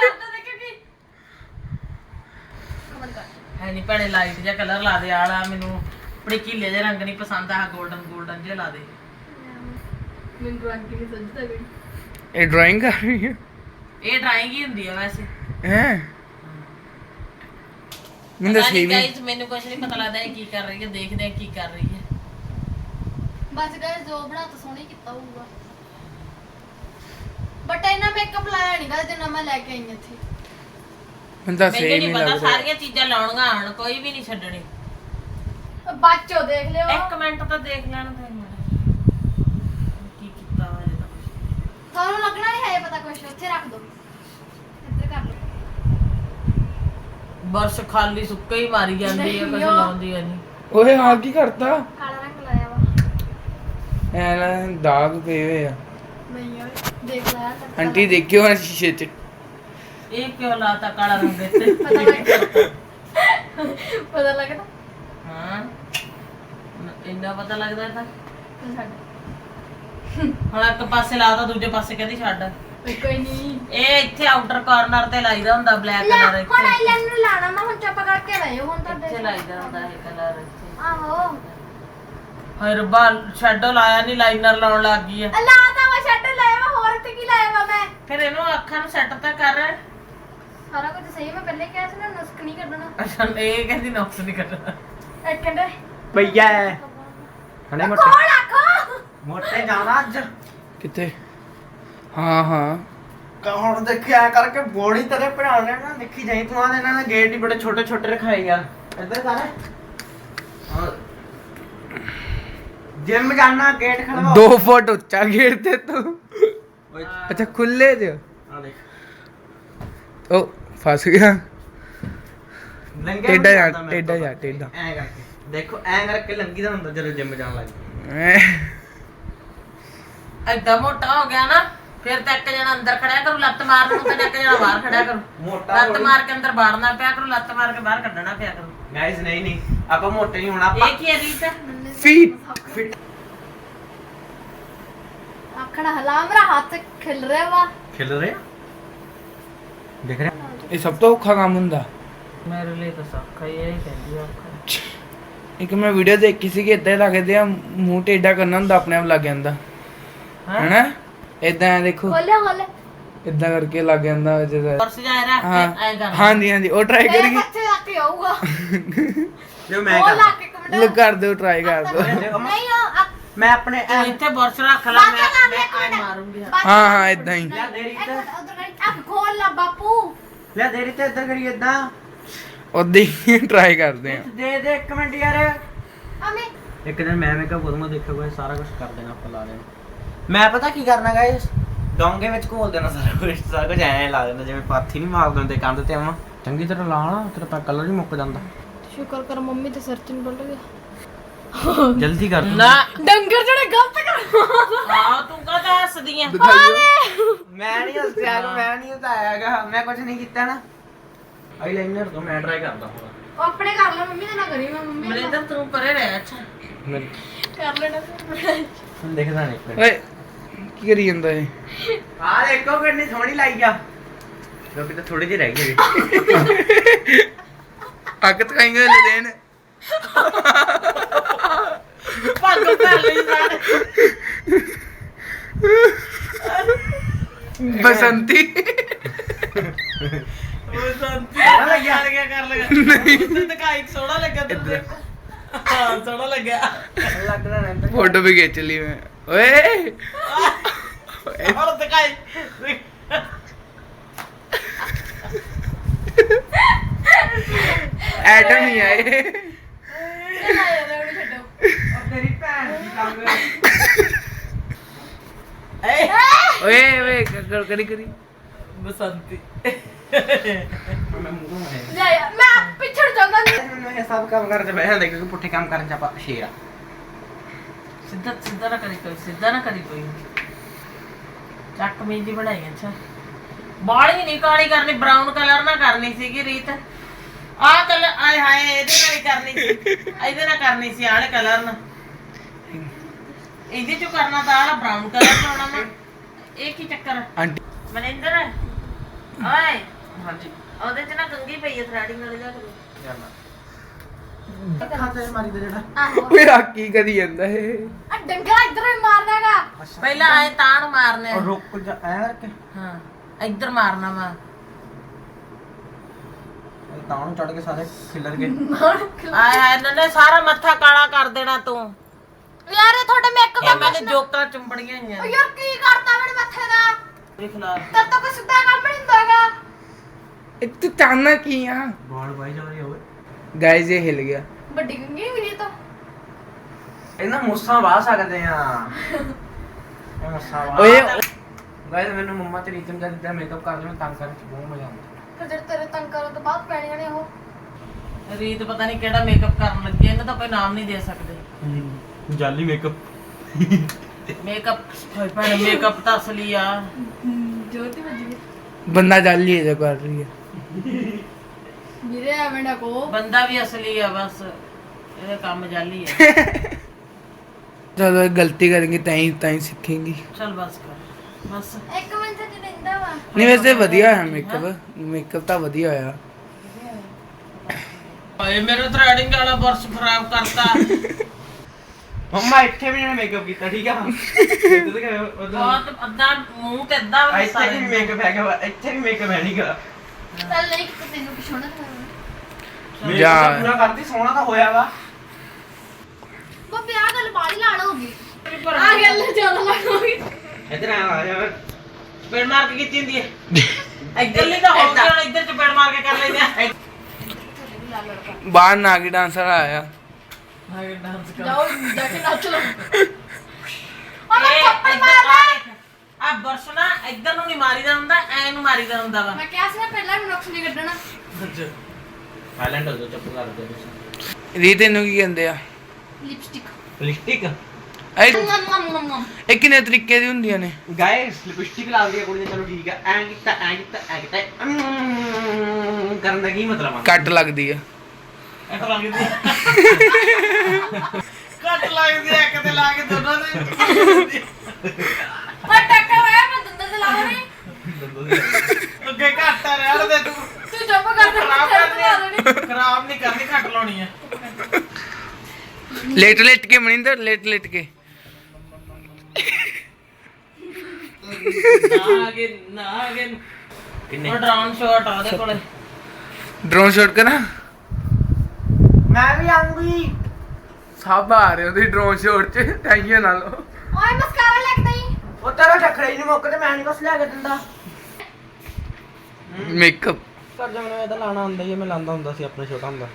[SPEAKER 3] ਹੈ ਨਹੀਂ ਭੈਣੇ ਲਾਈਟ ਜਿਹਾ ਕਲਰ ਲਾ ਦੇ ਆਲਾ ਮੈਨੂੰ ਭੜਕੀਲੇ ਜਿਹੇ ਰੰਗ ਨਹੀਂ ਪਸੰਦ ਆ 골ਡਨ 골ਡਨ ਜਿਹਾ ਲਾ ਦੇ
[SPEAKER 2] ਮੈਨੂੰ ਡਰਾਇੰਗ ਨਹੀਂ ਸਮਝਦਾ ਕੋਈ
[SPEAKER 5] ਇਹ ਡਰਾਇੰਗ ਕਰ ਰਹੀ ਹੈ
[SPEAKER 3] ਇਹ ਡਰਾਇੰਗ ਹੀ ਹੁੰਦੀ ਆ ਵੈਸੇ
[SPEAKER 5] ਹੈ ਮੈਨੂੰ ਦੱਸੀ ਵੀ
[SPEAKER 3] ਗਾਇਸ ਮੈਨੂੰ ਕੁਝ ਨਹੀਂ ਪਤਾ ਲੱਗਦਾ ਇਹ ਕੀ ਕਰ ਰਹੀ ਹੈ ਦੇਖਦੇ ਆ ਕੀ ਕਰ ਰਹੀ ਹੈ
[SPEAKER 2] ਬਸ ਗਾਇਸ ਜੋ ਬਣਾ ਤਾਂ ਸੋਹਣੀ ਕੀਤਾ ਹੋਊਗਾ ਬਟ ਇਹਨਾਂ ਮੇਕਅਪ ਲਾਇਆ ਨਹੀਂ ਗਾਇਸ ਜਿੰਨਾ ਮੈਂ ਲੈ ਕੇ ਆਈ ਇੱਥੇ
[SPEAKER 5] ਮੈਨੂੰ ਤਾਂ
[SPEAKER 3] ਮੈਨੂੰ
[SPEAKER 5] ਸੇਮ
[SPEAKER 3] ਨਹੀਂ
[SPEAKER 5] ਹੀ
[SPEAKER 3] ਪਤਾ
[SPEAKER 5] ਲੱਗ ਰਿਹਾ
[SPEAKER 3] ਸਾਰੀਆਂ ਚੀਜ਼ਾਂ ਲਾਉਣੀਆਂ ਹਣ ਕੋਈ ਵੀ ਨਹੀਂ ਛੱਡਣੀ
[SPEAKER 2] ਬਾਚੋ ਦੇਖ ਲਿਓ
[SPEAKER 3] ਇੱਕ ਮਿੰਟ ਤਾਂ ਦੇਖ ਲੈਣ ਦੇ ਕੀ ਕੀਤਾ ਹੋਇਆ ਇਹਦਾ
[SPEAKER 2] ਤੁਹਾਨੂੰ ਲੱਗਣਾ ਨਹੀਂ ਹੈ ਪਤਾ ਕੁਛ ਉੱਥੇ ਰੱਖ ਦੋ ਇੱਧਰ ਕਰ ਲਓ
[SPEAKER 3] ਬਰਸ਼ ਖਾਲੀ ਸੁੱਕਾ ਹੀ ਮਾਰੀ ਜਾਂਦੀ ਹੈ ਕੁਝ
[SPEAKER 2] ਨਹੀਂ ਉਹ।
[SPEAKER 3] ਲਾਉਂਦੀ ਹੈ ਨਹੀਂ
[SPEAKER 5] ਓਏ ਹਾਂ ਕੀ ਕਰਤਾ
[SPEAKER 2] ਕਾਲਾ ਰੰਗ ਲਾਇਆ ਵਾ
[SPEAKER 5] ਐ ਨਾ ਦਾਗ ਪਏ ਹੋਏ ਆ
[SPEAKER 2] ਨਹੀਂ ਓਏ ਦੇਖ ਲਿਆ ਤਾਂ
[SPEAKER 5] ਆਂਟੀ ਦੇਖਿਓ ਨਾ ਸ਼ੀਸ਼ੇ 'ਚ
[SPEAKER 3] ਇਹ ਕਿਉਂ ਲਾਤਾ ਕਾਲਾ ਰੰਗ ਇੱਥੇ
[SPEAKER 2] ਪਤਾ ਲੱਗਦਾ ਪਤਾ ਲੱਗਦਾ
[SPEAKER 3] ਹਾਂ ਨ- ਇੰਨਾ ਪਤਾ ਲੱਗਦਾ ਤਾਂ
[SPEAKER 2] ਛੱਡ
[SPEAKER 3] ਹੁਣ ਇੱਕ ਪਾਸੇ ਲਾਤਾ ਦੂਜੇ ਪਾਸੇ ਕਹਿੰਦੀ ਛੱਡ
[SPEAKER 2] ਓਏ ਕੋਈ ਨਹੀਂ
[SPEAKER 3] ਇਹ ਇੱਥੇ ਆਊਟਰ ਕਾਰਨਰ ਤੇ ਲਾਈਦਾ ਹੁੰਦਾ ਬਲੈਕ
[SPEAKER 2] ਲੈ
[SPEAKER 3] ਕਲਰ
[SPEAKER 2] ਹੁਣ
[SPEAKER 3] ਇੱਥੇ
[SPEAKER 2] ਆਈਲਾਈਨਰ ਲਾਣਾ ਮੈਂ ਹੁਣ ਚੁੱਪ ਕਰਕੇ ਰਹਿਓ ਹੁਣ
[SPEAKER 3] ਇੱਥੇ
[SPEAKER 2] ਤੁਹਾਡੇ
[SPEAKER 3] ਲਾਈਦਾ ਹੁੰਦਾ ਇਹ ਕਲਰ ਇੱਥੇ
[SPEAKER 2] ਆਹੋ
[SPEAKER 3] ਹਾਏ ਰੱਬਾ ਸ਼ੈਡੋ ਲਾਇਆ ਨਹੀਂ ਲਾਈਨਰ ਲਾਉਣ ਲੱਗ ਗਈ ਆ
[SPEAKER 2] ਅੱਲਾ ਤਾਂ ਮੈਂ ਸ਼ੈਡ ਲਾਇਆ ਵਾ ਹੋਰ ਤੇ ਕੀ ਲਾਇਆ ਵਾ ਮੈਂ
[SPEAKER 3] ਫਿਰ ਇਹਨੂੰ ਅੱਖਾਂ ਨੂੰ ਸੈੱਟ ਤਾਂ ਕਰ
[SPEAKER 2] ਸਾਰਾ ਕੁਝ ਸਹੀ ਮੈਂ ਪਹਿਲੇ ਕਿਹਾ ਸੀ ਨਾ ਨੁਸਖ ਨਹੀਂ ਕੱਢਣਾ
[SPEAKER 3] ਅੱਛਾ ਇਹ ਕਹਿੰਦੀ ਨੁਕਸ ਨਹੀਂ ਕੱਢਣਾ
[SPEAKER 2] ਇੱਕ ਕਹਿੰਦੇ
[SPEAKER 4] ਭਈਆ ਹਣੇ ਮੋਟੇ
[SPEAKER 2] ਕੋਲ ਆਖੋ
[SPEAKER 4] ਮੋਟੇ ਜਾਣਾ ਅੱਜ
[SPEAKER 5] ਕਿੱਥੇ ਹਾਂ ਹਾਂ
[SPEAKER 4] ਹੁਣ ਦੇਖਿਆ ਕਰਕੇ ਬੋੜੀ ਤੇਰੇ ਪੜਾਉਣੇ ਨਾ ਦੇਖੀ ਜਾਈ ਤੂੰ ਆ ਇਹਨਾਂ ਨੇ ਗੇਟ ਹੀ ਬੜੇ ਛੋਟੇ ਛੋਟੇ ਰਖਾਏ ਯਾਰ ਇੱਧਰ ਕਰ ਹਾਂ ਜਿਮ ਜਾਣਾ ਗੇਟ ਖੜਵਾ
[SPEAKER 5] ਦੋ ਫੁੱਟ ਉੱਚਾ ਗੇਟ ਤੇ ਤੂੰ
[SPEAKER 4] ਓਏ
[SPEAKER 5] ਅੱਛਾ ਖੁੱਲੇ ਤੇ
[SPEAKER 4] ਆ ਦੇਖ
[SPEAKER 5] ਉਹ ਫਸ ਗਿਆ
[SPEAKER 4] ਲੰਘਿਆ
[SPEAKER 5] ਟੇਢਾ
[SPEAKER 4] ਨੀ
[SPEAKER 5] ਜਾ,
[SPEAKER 4] ਜਾਂਦਾ ਮੇਰੇ
[SPEAKER 5] ਟੇਢਾ
[SPEAKER 4] ਤੋਂ
[SPEAKER 5] ਜਾ,
[SPEAKER 4] ਕਰਕੇ।
[SPEAKER 5] ਟੇਢਾ।
[SPEAKER 4] ਐਂ ਕਰਕੇ ਦੇਖੋ ਐਂ ਕਰਕੇ ਲੰਗੀ ਦਾ ਹੁੰਦਾ ਜਦੋਂ ਜਿਮ ਜਾਣ ਲੱਗ
[SPEAKER 5] ਐ,
[SPEAKER 3] ਐਡਾ ਮੋਟਾ ਹੋ ਗਿਆ ਨਾ ਫਿਰ ਤਾਂ ਇੱਕ ਜਣਾ ਅੰਦਰ ਖੜਿਆ ਕਰੂ ਲੱਤ ਮਾਰਨ ਨੂੰ ਤੇ ਇੱਕ ਜਣਾ ਬਾਹਰ ਖੜਿਆ ਕਰੂ
[SPEAKER 4] ਮੋਟਾ
[SPEAKER 3] ਲੱਤ
[SPEAKER 4] ਥੋੜ੍ਹੀ-
[SPEAKER 3] ਮਾਰ ਕੇ ਅੰਦਰ ਬਾੜਨਾ ਪਿਆ ਕਰੂ ਲੱਤ ਮਾਰ ਕੇ ਬਾਹਰ ਕੱਢਣਾ ਪਿਆ ਕਰੂ
[SPEAKER 4] ਗਾਇਸ ਨਹੀਂ ਨਹੀਂ ਆਪਾਂ ਮੋਟੇ ਨਹੀਂ ਹੋਣਾ ਆਪਾਂ
[SPEAKER 3] ਇਹ ਕੀ ਹੈ ਰੀਤ
[SPEAKER 5] ਫੀਟ
[SPEAKER 4] ਫਿੱਟ
[SPEAKER 2] ਆਖਣਾ ਹਲਾ ਮੇਰਾ ਹੱਥ ਖਿਲ ਰਿਹਾ ਵਾ
[SPEAKER 4] ਖਿਲ ਰਹੇ ਆ ਦੇਖ ਰਿਹਾ
[SPEAKER 5] ਇਹ ਸਭ ਤੋਂ ਔਖਾ ਕੰਮ ਹੁੰਦਾ
[SPEAKER 3] ਮੇਰੇ ਲਈ ਤਾਂ ਸੌਖਾ ਹੀ ਹੈ ਇਹ ਕਹਿੰਦੀ ਔਖਾ
[SPEAKER 5] ਇੱਕ ਮੈਂ ਵੀਡੀਓ ਦੇਖੀ ਸੀ ਕਿ ਇਦਾਂ ਲੱਗਦੇ ਆ ਮੂੰਹ ਟੇਢਾ ਕਰਨਾ ਹੁੰਦਾ ਆਪਣੇ ਆਪ ਲੱਗ ਜਾਂਦਾ ਹੈਨਾ ਇਦਾਂ ਦੇਖੋ
[SPEAKER 2] ਖੋਲੇ ਖੋਲੇ
[SPEAKER 5] ਇਦਾਂ ਕਰਕੇ ਲੱਗ ਜਾਂਦਾ ਜਿਹਦਾ
[SPEAKER 3] ਪਰਸ ਜਾਇ ਰੱਖ
[SPEAKER 5] ਹਾਂ
[SPEAKER 3] ਕੇ ਐ ਕਰ
[SPEAKER 5] ਹਾਂਜੀ ਹਾਂਜੀ ਉਹ ਟਰਾਈ
[SPEAKER 2] ਮੇਰੇ
[SPEAKER 5] ਕਰੀਏ
[SPEAKER 2] ਬੱਚੇ ਆ ਕੇ ਆਊਗਾ
[SPEAKER 4] ਜੋ ਮੈਂ
[SPEAKER 2] ਉਹ
[SPEAKER 4] ਕਰ
[SPEAKER 2] ਲਾ ਕੇ ਕਮੜਾ
[SPEAKER 5] ਲੋ ਕਰ ਦਿਓ ਟਰਾਈ ਕਰ ਦਿਓ
[SPEAKER 4] ਦੇਖੋ
[SPEAKER 2] ਨਹੀਂ ਉਹ
[SPEAKER 4] ਮੈਂ ਆਪਣੇ
[SPEAKER 3] ਤੂੰ ਇੱਥੇ ਬੁਰਸ਼ ਰੱਖ ਲੈ ਮੈਂ ਮੈਂ ਆਏ ਮਾਰੂੰਗੀ
[SPEAKER 5] ਹਾਂ ਹਾਂ ਇਦਾਂ ਹੀ
[SPEAKER 4] ਲੈ ਦੇਰੀ ਤੇ
[SPEAKER 2] ਉਧਰ ਕਰੀ ਅੱਖ ਖੋਲ ਲਾ ਬਾਪੂ
[SPEAKER 4] ਲੈ ਦੇਰੀ ਤੇ ਇੱਧਰ ਕਰੀ ਏਦਾਂ
[SPEAKER 5] ਉਦਾਂ ਹੀ ਟਰਾਈ ਕਰਦੇ ਆ
[SPEAKER 4] ਦੇ ਦੇ ਇੱਕ ਮਿੰਟ ਯਾਰ
[SPEAKER 2] ਅਮੇ
[SPEAKER 4] ਇੱਕ ਦਿਨ ਮੈਂ ਮੇਕਅਪ ਕਰੂੰਗਾ ਦੇਖੋ ਗਾਇਸ ਸਾਰਾ ਕੁਝ ਕਰ ਦੇਣਾ ਆਪਾਂ ਲਾ ਦੇਣਾ ਮੈਂ ਪਤਾ ਕੀ ਕਰਨਾ ਗਾਇਸ ਡੋਂਗੇ ਵਿੱਚ ਘੋਲ ਦੇਣਾ ਸਾਰਾ ਕੁਝ ਸਾਰਾ ਕੁਝ ਐਂ ਲਾ ਦੇਣਾ ਜਿਵੇਂ ਪਾਥੀ ਨਹੀਂ ਮਾਰ ਦਿੰਦੇ ਕੰਧ ਤੇ ਆਵਾਂ ਚੰਗੀ ਤਰ੍ਹਾਂ ਲਾਣਾ ਤੇਰਾ ਪਾ ਕਲਰ ਹੀ ਮੁੱਕ ਜਾਂਦਾ
[SPEAKER 2] ਸ਼ੁਕਰ ਕਰ ਮੰਮੀ ਤੇ ਸਿਰ ਚ ਨਹੀਂ ਡੁੱਲ ਗਿਆ
[SPEAKER 4] ਜਲਦੀ ਕਰ ਤੂੰ
[SPEAKER 3] ਨਾ
[SPEAKER 2] ਡੰਗਰ ਜਿਹੜੇ ਗਲਤ ਕਰ
[SPEAKER 3] ਆ ਤੂੰ ਕਾਹਦਾ ਹੱਸਦੀ ਆ
[SPEAKER 4] ਮੈਂ ਨਹੀਂ ਹੱਸਿਆ ਮੈਂ ਨਹੀਂ ਹਸਾਇਆਗਾ ਮੈਂ ਕੁਝ ਨਹੀਂ ਕੀਤਾ ਨਾ ਆਈਲਾਈਨਰ ਤੋਂ ਮੈਂ ਟਰਾਈ ਕਰਦਾ ਹਾਂ
[SPEAKER 2] ਉਹ ਆਪਣੇ ਕਰ ਲੈ ਮੰਮੀ ਦਾ ਨਾ ਕਰੀ ਮੈਂ ਮੰਮੀ ਦਾ
[SPEAKER 3] ਮਨਿੰਦਰ ਤੂੰ ਪਰੇ ਰਹਿ ਅੱਛਾ
[SPEAKER 2] ਕਰ ਲੈਣਾ
[SPEAKER 4] ਹੁਣ ਦੇਖਦਾ ਨਹੀਂ ਇੱਕ ਮਿੰਟ
[SPEAKER 5] ਓਏ ਕੀ ਕਰੀ ਜਾਂਦਾ ਇਹ
[SPEAKER 4] ਆ ਦੇਖੋ ਕਿੰਨੀ ਸੋਹਣੀ ਲਾਈ ਆ ਲੋਕੀ ਤਾਂ ਥੋੜੀ ਜਿਹੀ ਰਹਿ ਗਈ
[SPEAKER 5] ਅੱਗ ਤਕਾਈਂਗੇ ਲੈ ਦੇਣ
[SPEAKER 3] ਭੱਗ ਕਰ ਲਈ ਸਾਰੇ
[SPEAKER 5] ਬਸੰਤੀ
[SPEAKER 3] ਉਹ ਸੰਤੀ ਆ ਲੱਗਿਆ ਲੱਗਿਆ ਕਰ ਲਗਾ ਨਹੀਂ ਦਿਖਾਈ ਸੋਹਣਾ ਲੱਗਾ ਤੂੰ ਹਾਂ ਸੋਹਣਾ ਲੱਗਿਆ
[SPEAKER 4] ਲੱਗਦਾ ਨਹੀਂ
[SPEAKER 5] ਫੋਟੋ ਵੀ ਖਿੱਚ ਲਈ ਮੈਂ ਓਏ
[SPEAKER 3] ਹੁਣ ਦਿਖਾਈ
[SPEAKER 5] ਐਟਮ ਹੀ ਆਏ
[SPEAKER 4] ਤੇਰੀ ਭੈਣ ਦੀ ਕੰਮ
[SPEAKER 3] ਏ
[SPEAKER 5] ਓਏ ਓਏ ਕਰ ਕਰੀ ਕਰੀ
[SPEAKER 3] ਬਸੰਤੀ
[SPEAKER 4] ਮੈਂ ਮੂੰਹ ਹੈ
[SPEAKER 2] ਲੈ ਯਾਰ, ਮੈਂ ਪਿੱਛੜ ਜਾਂਦਾ ਨਹੀਂ
[SPEAKER 4] ਮੈਨੂੰ ਇਹ ਸਭ ਕੰਮ ਕਰਨ ਤੇ ਬਹਿ ਜਾਂਦੇ ਕਿਉਂਕਿ ਪੁੱਠੇ ਕੰਮ ਕਰਨ ਚ ਆਪਾਂ ਸ਼ੇਰ ਆ
[SPEAKER 3] ਸਿੱਧਾ ਸਿੱਧਾ ਨਾ ਕਰੀ ਕੋਈ ਸਿੱਧਾ ਨਾ ਕਰੀ ਕੋਈ ਚੱਕ ਮੀਂਦੀ ਬਣਾਈ ਅੱਛਾ ਬਾਲੀ ਨਹੀਂ ਕਾਲੀ ਕਰਨੀ ਬਰਾਊਨ ਕਲਰ ਨਾ ਕਰਨੀ ਸੀਗੀ ਰੀਤ ਆਹ ਕਲਰ ਆਏ ਹਾਏ ਇਹਦੇ ਨਾਲ ਹੀ ਕਰਨੀ ਸੀ ਇਹਦੇ ਨਾਲ ਕਰਨੀ ਸੀ ਆਲੇ ਕਲਰ ਨਾਲ ਇਹਦੇ ਚੋਂ ਕਰਨਾ ਤਾਂ ਆਲਾ ਬਰਾਊਨ ਕਲਰ ਲਾਉਣਾ ਵਾ ਇਹ ਕੀ ਚੱਕਰ ਆ?
[SPEAKER 5] ਆਂਟੀ
[SPEAKER 3] ਮਨਿੰਦਰ ਓਏ ਹਾਂਜੀ ਉਹਦੇ ਚ ਨਾ ਕੰਗੀ ਪਈ ਹੈ ਥਰੈਡਿੰਗ ਵਾਲੀ ਜਾ ਕੇ
[SPEAKER 4] ਖਾਤੇ ਮਾਰੀ ਦਾ ਜਿਹੜਾ
[SPEAKER 2] ਆਹੋ
[SPEAKER 5] ਓਏ ਆ ਕੀ ਕਰੀ ਜਾਂਦਾ ਇਹ
[SPEAKER 2] ਆ ਡੰਗਰਾ ਇੱਧਰੋਂ ਹੀ ਮਾਰਨਾਗਾ
[SPEAKER 3] ਪਹਿਲਾਂ ਐ ਤਾਂ ਨੂੰ ਮਾਰਨੇ ਆ।
[SPEAKER 4] ਔਰ ਰੁਕ ਜਾ ਐ ਕਰਕੇ
[SPEAKER 3] ਹਾਂ ਇੱਧਰ ਮਾਰਨਾ ਵਾ
[SPEAKER 4] ਤਾਂ ਨੂੰ ਚੜ ਕੇ ਸਾਰੇ ਖਿੱਲਰ ਗਏ
[SPEAKER 3] ਆਏ ਹਾਏ ਨੰਨੇ ਸਾਰਾ ਮੱਥਾ ਕਾਲਾ ਕਰ ਦੇਣਾ ਤੂੰ
[SPEAKER 2] ਯਾਰ ਇਹ ਤੁਹਾਡੇ ਮੇਕਅਪ
[SPEAKER 3] ਇਹ ਮੈਨੇ ਜੋਕਰਾਂ ਚੁੰਬੜੀਆਂ ਹੋਈਆਂ
[SPEAKER 2] ਓ ਯਾਰ ਕੀ ਕਰਤਾ ਮੇਰੇ ਮੱਥੇ ਦਾ
[SPEAKER 3] ਦੇਖ ਲਾ
[SPEAKER 2] ਤੇਰੇ ਤੋਂ ਕੋਈ ਸਿੱਧਾ ਕੰਮ ਨਹੀਂ ਹੁੰਦਾਗਾ
[SPEAKER 5] ਇਹ ਤੂੰ ਚਾਹਨਾ ਕੀ ਆ
[SPEAKER 4] ਬਾਲ ਬਾਈ ਜਾ ਰਹੀ ਹੋਵੇ
[SPEAKER 5] ਗਾਇਜ਼ ਇਹ ਹਿਲ ਗਿਆ
[SPEAKER 2] ਵੱਡੀ ਗੰਗੀ ਵੀ ਨਹੀਂ ਤਾਂ
[SPEAKER 4] ਇਹਨਾਂ ਮੁੱਸਾਂ ਵਾਹ ਸਕਦੇ ਆ ਇਹ ਮੁੱਸਾਂ ਵਾਹ
[SPEAKER 5] ਓਏ
[SPEAKER 4] ਗਾਇਸ ਮੈਨੂੰ ਮੰਮਾ ਤੇ ਰੀਤਮ ਦਾ ਜਿੱਦਾਂ ਮੇਕਅਪ ਕਰਦੇ ਮੈਂ ਤੰਗ ਕਰਨ ਚ ਬਹੁਤ ਮਜ਼ਾ ਆਉਂਦਾ
[SPEAKER 2] ਫਿਰ ਜਿਹੜੇ ਤੇਰੇ ਤੰਗ ਕਰੋ ਤੋਂ ਬਾਅਦ ਪੈਣੀਆਂ ਨੇ ਉਹ
[SPEAKER 3] ਰੀਤ ਪਤਾ ਨਹੀਂ ਕਿਹੜਾ ਮੇਕਅਪ ਕਰਨ ਲੱਗੀ ਇਹਨੂੰ ਤਾਂ ਕੋਈ ਨਾਮ ਨਹੀਂ ਦੇ ਸਕਦੇ
[SPEAKER 4] ਜਾਲੀ ਮੇਕਅਪ
[SPEAKER 3] ਮੇਕਅਪ ਹੋਏ ਪਰ ਮੇਕਅਪ ਤਾਂ ਅਸਲੀ ਆ
[SPEAKER 2] ਜੋਤੀ ਵੱਜੀ
[SPEAKER 5] ਬੰਦਾ ਜਾਲੀ ਇਹ ਕਰ ਰਹੀ ਹੈ
[SPEAKER 2] ਵੀਰੇ ਐਵੇਂ ਨਾ ਕੋ
[SPEAKER 3] ਬੰਦਾ ਵੀ ਅਸਲੀ ਆ ਬਸ ਇਹਦਾ ਕੰਮ ਜਾਲੀ ਆ
[SPEAKER 5] ਜਦੋਂ ਇਹ ਗਲਤੀ ਕਰਾਂਗੇ ਤਾਂ ਹੀ ਤਾਂ ਹੀ ਸਿੱਖੇਂਗੀ
[SPEAKER 3] ਚੱਲ ਬਸ ਕਰ ਬਸ
[SPEAKER 2] ਇੱਕ ਮਿੰਟ ਤੇ ਦਿੰਦਾ ਵਾ
[SPEAKER 5] ਨਹੀਂ ਵੈਸੇ ਵਧੀਆ ਹੈ ਮੇਕਅਪ ਮੇਕਅਪ ਤਾਂ ਵਧੀਆ ਹੋਇਆ
[SPEAKER 3] ਓਏ ਮੇਰੇ ਥ੍ਰੈਡਿੰਗ ਵਾਲਾ ਬਰਸ਼ ਖਰਾਬ ਕਰਤਾ
[SPEAKER 4] ਮੰਮਾ ਇੱਥੇ ਵੀ ਇਹਨੇ ਮੇਕਅਪ ਕੀਤਾ ਠੀਕ ਆ
[SPEAKER 3] ਬਹੁਤ ਅੱਧਾ ਮੂੰਹ ਤੇ ਅੱਧਾ ਵੀ
[SPEAKER 4] ਇੱਥੇ ਵੀ ਮੇਕਅਪ ਹੈਗਾ ਵਾ, ਇੱਥੇ ਵੀ ਮੇਕਅਪ ਹੈ ਨਹੀਂਗਾ
[SPEAKER 2] ਚੱਲ ਨਹੀਂ ਕਿ ਤੈਨੂੰ ਕੁਛ ਹੋਣਾ ਤਾਂ
[SPEAKER 5] ਜਾ।
[SPEAKER 4] ਮੇਕਅਪ ਪੂਰਾ ਕਰਦੀ ਸੋਹਣਾ ਤਾਂ ਹੋਇਆ ਵਾ
[SPEAKER 2] ਬੱਬੇ ਆ ਗੱਲ ਬਾੜੀ ਲਾੜ ਹੋ ਗਈ ਆ ਗੱਲ ਜ਼ਿਆਦਾ ਲਾੜ ਹੋ ਗਈ
[SPEAKER 4] ਇੱਧਰ ਆ ਆ ਜਾ
[SPEAKER 3] ਪੇੜ ਮਾਰ ਕੇ ਕੀਤੀ ਹੁੰਦੀ ਹੈ ਇੱਧਰ ਲਈ ਤਾਂ ਹੋ ਗਿਆ ਹੁਣ ਇੱਧਰ ਚ ਪੇੜ ਮਾਰ ਕੇ ਕਰ ਲੈਂਦੇ ਆ
[SPEAKER 5] ਬਾਹਰ ਨਾਗੀ ਡਾਂਸਰ ਆਇਆ
[SPEAKER 3] ਹਾਏ ਡਾਂਸ ਕਰ
[SPEAKER 2] ਜਾਓ ਜਾ ਕੇ ਨੱਚ ਲਓ
[SPEAKER 3] ਇਹ
[SPEAKER 2] ਮੈਂ ਥੱਪੜ
[SPEAKER 3] ਇੱਧਰ
[SPEAKER 2] ਮਾਰਨਾ
[SPEAKER 3] ਆ ਦੇਖ, ਆ ਬਰਸ਼ ਨਾ ਇੱਧਰ ਨੂੰ ਨਹੀਂ ਮਾਰੀਦਾ ਹੁੰਦਾ ਐ ਨੂੰ ਮਾਰੀਦਾ ਹੁੰਦਾ ਵਾ
[SPEAKER 2] ਮੈਂ ਕਿਹਾ ਸੀ ਨਾ ਪਹਿਲਾਂ ਵੀ ਨੁਕਸ ਨਹੀਂ ਕੱਢਣਾ
[SPEAKER 4] ਸਾਇਲੈਂਟ ਹੋ ਜਾ ਚੁੱਪ ਕਰ ਦੇ ਤੁਸੀਂ
[SPEAKER 5] ਰੀ ਤੈਨੂੰ ਕੀ ਕਹਿੰਦੇ ਆ
[SPEAKER 2] ਲਿਪਸਟਿਕ
[SPEAKER 4] ਲਿਪਸਟਿਕ
[SPEAKER 5] ਇਹ
[SPEAKER 2] ਮਮ ਮਮ ਮਮ ਮਮ
[SPEAKER 5] ਇਹ ਕਿੰਨੇ ਤਰੀਕੇ ਦੀ ਹੁੰਦੀਆਂ ਨੇ
[SPEAKER 4] ਗਾਇਸ ਲਿਪਸਟਿਕ ਲਾਉਂਦੀ ਹੈ ਕੁੜੀ ਨੇ ਚਲੋ ਠੀਕ ਆ ਐਂ ਕੀਤਾ ਐਂ ਕੀਤਾ ਐਂ ਕੀਤਾ ਅਮ, ਕਰਨ ਦਾ ਕੀ ਮਤਲਬ ਆ
[SPEAKER 5] ਕੱਟ ਲੱਗਦੀ ਆ
[SPEAKER 3] ਕੱਟ ਲੱਗਦੀ ਕੱਟ ਲੱਗਦੀ ਐ ਕਿਤੇ ਲਾ ਕੇ ਦੋਨਾਂ ਦੇ
[SPEAKER 2] ਪਰ ਟੱਕਾ ਹੋਇਆ ਮੈਂ ਦੰਦਾਂ ਤੇ ਲਾਉਣਾ ਨਹੀਂ
[SPEAKER 3] ਅੱਗੇ ਘੱਟ ਆ ਰਹਿਣ ਦੇ ਤੂੰ
[SPEAKER 2] ਤੂੰ ਚੁੱਪ ਕਰ ਦੇ
[SPEAKER 3] ਖਰਾਬ ਕਰਨੀ ਖਰਾਬ ਨਹੀਂ ਕਰਨੀ ਘੱਟ ਲਾਉਣੀ ਆ
[SPEAKER 5] ਲੇਟ ਲੇਟ ਕੇ ਮਨਿੰਦਰ ਲੇਟ ਲੇਟ ਕੇ
[SPEAKER 3] ਨਾ ਅਗੇ ਨਾ ਅਗੇ
[SPEAKER 4] ਕਿੰਨੇ
[SPEAKER 3] ਉਹ ਡਰਾਉਨ ਸ਼ਾਟ ਆ ਉਹਦੇ ਕੋਲੇ
[SPEAKER 5] ਡਰੋਨ ਸ਼ਾਟ ਕਰਾਂ
[SPEAKER 4] ਮੈਂ ਵੀ ਆਉਂਗੀ
[SPEAKER 5] ਸਭ ਆ ਰਹੇ ਉਹਦੀ ਡਰੋਨ ਸ਼ੋਟ 'ਚ ਟੈਨਸ਼ਨ ਨਾ ਲਓ।
[SPEAKER 2] ਓਏ ਮਸਕਾਰਾ ਲੈ ਕੇ ਦਈ।
[SPEAKER 4] ਉਹ ਤੇਰਾ ਟੱਕਰੇ ਹੀ ਨਹੀਂ ਮੁੱਕਦੇ, ਮੈਂ ਨਹੀਂ ਕੁਛ ਲਿਆ ਕੇ ਦਿੰਦਾ।
[SPEAKER 5] ਮੇਕਅਪ
[SPEAKER 4] ਕਰ ਜਾ, ਮੈਨੂੰ ਇਹਦਾ ਲਾਣਾ ਹੁੰਦਾ ਹੀ, ਮੈਂ ਲਾਉਂਦਾ ਹੁੰਦਾ ਸੀ ਆਪਣੇ ਛੋਟਾ ਹੁੰਦਾ।